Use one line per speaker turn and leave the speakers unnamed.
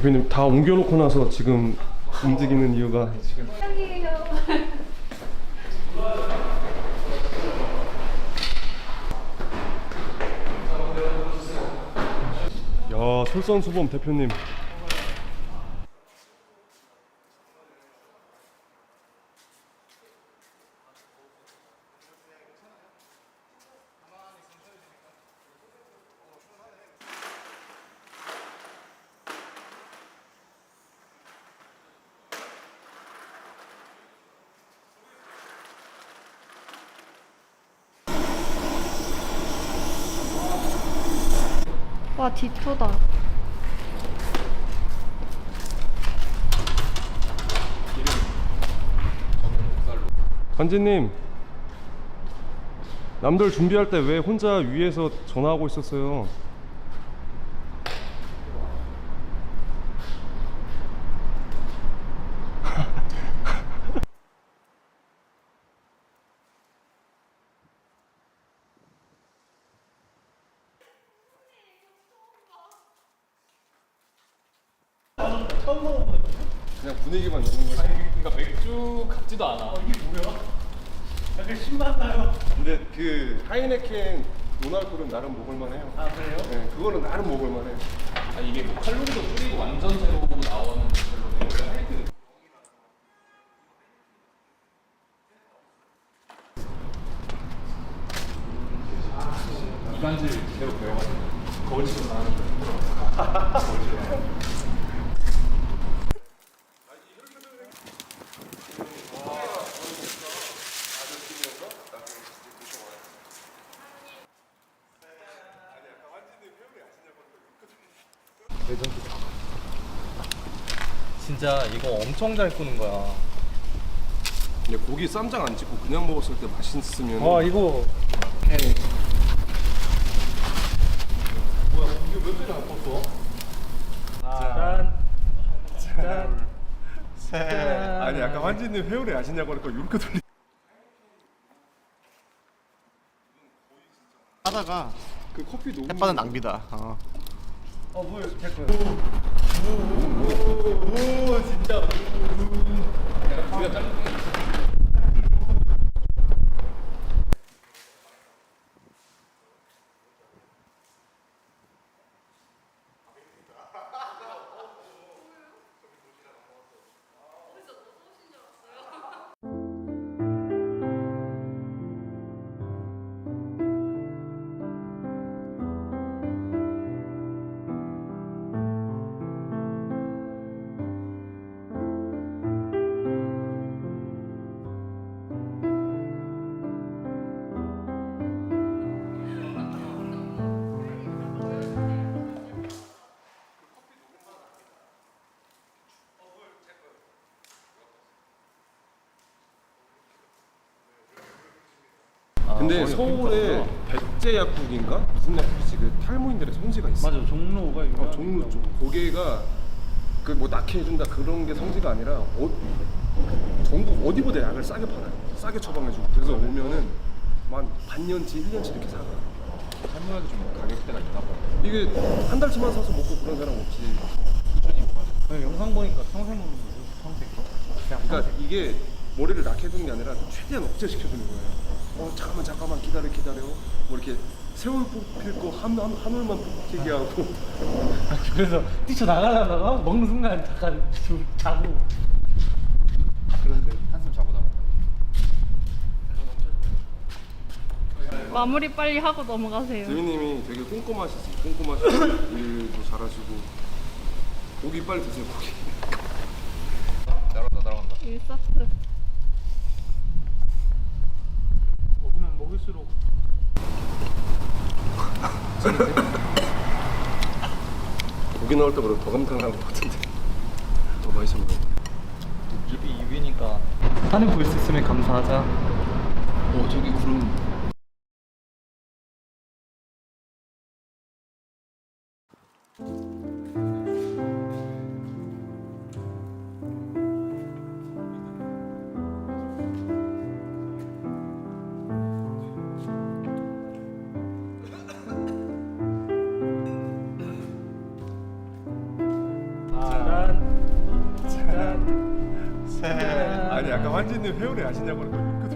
대표님 다 옮겨놓고 나서 지금 움직이는 이유가 지금 야, 솔선수범 대표님.
와, 디토다.
관지님, 남들 준비할 때 왜 혼자 위에서 전화하고 있었어요? 그냥 분위기만 내는 거지.
그러니까 맥주 같지도 않아. 이게 뭐야? 약간 신맛나요.
근데 그 하이네켄 노날콜은 나름 먹을만해요.
아 그래요?
네, 그거는 나름 먹을만해.
아 이게 뭐 칼로리도 줄이고 완전 제로 나오는 별로네. 원래 하이트. 이간질 제대로 배워가지고 거울치고 나는 거울치고. 진짜 이거 엄청 잘 구는 거야.
근데 고기 쌈장 안 찍고 그냥 먹었을 때 맛있으면.
이거 뭐야 이게 몇 개나 컸어? 짠.
아니 아까 환지님 회오리 아시냐고 하니까 이렇게 돌리.
하다가
그 커피 너무.
햇반은 낭비다.
뭘 잠깐. 오 진짜. 우리가 짠.
근데 서울에 백제 약국인가 무슨 약국이지 그 탈모인들의 성지가 있어.
맞아 종로가 이거.
종로 쪽. 거기가 그 뭐 낙해 해준다 그런 게 성지가 아니라 전국 어디보다 약을 싸게 팔아요. 싸게 처방해주고. 그래서 오면은 만 반년치 1년치 이렇게 사가.
설명하기 좀 가격대가 있나 봐.
이게 한 달치만 사서 먹고 그런 사람 없지.
영상 보니까 평생 먹는 거죠. 평생.
그러니까 이게 머리를 낙해 주는 게 아니라 최대한 억제시켜주는 거예요. 잠깐만 기다려. 뭐 이렇게 세월 뽑힐 거 한올만 뽑히게 하고.
그래서 뛰쳐나가려다가 먹는 순간 잠깐 자고.
그런데 한숨 자고 나온다.
마무리 빨리 하고 넘어가세요.
재민님이 되게 꼼꼼하시지. 일도 잘하시고. 고기 빨리 드세요. 고기.
날아간다.
1세트.
먹으면 먹을수록.
고기 나올 때보다 더 감탄한 것 같은데. 더 맛있어 보여.
입이 2위니까 하늘 볼 수 있으면 감사하자.
저기 구름.
아니 아까 환진님 회오리 아시냐고 그랬더니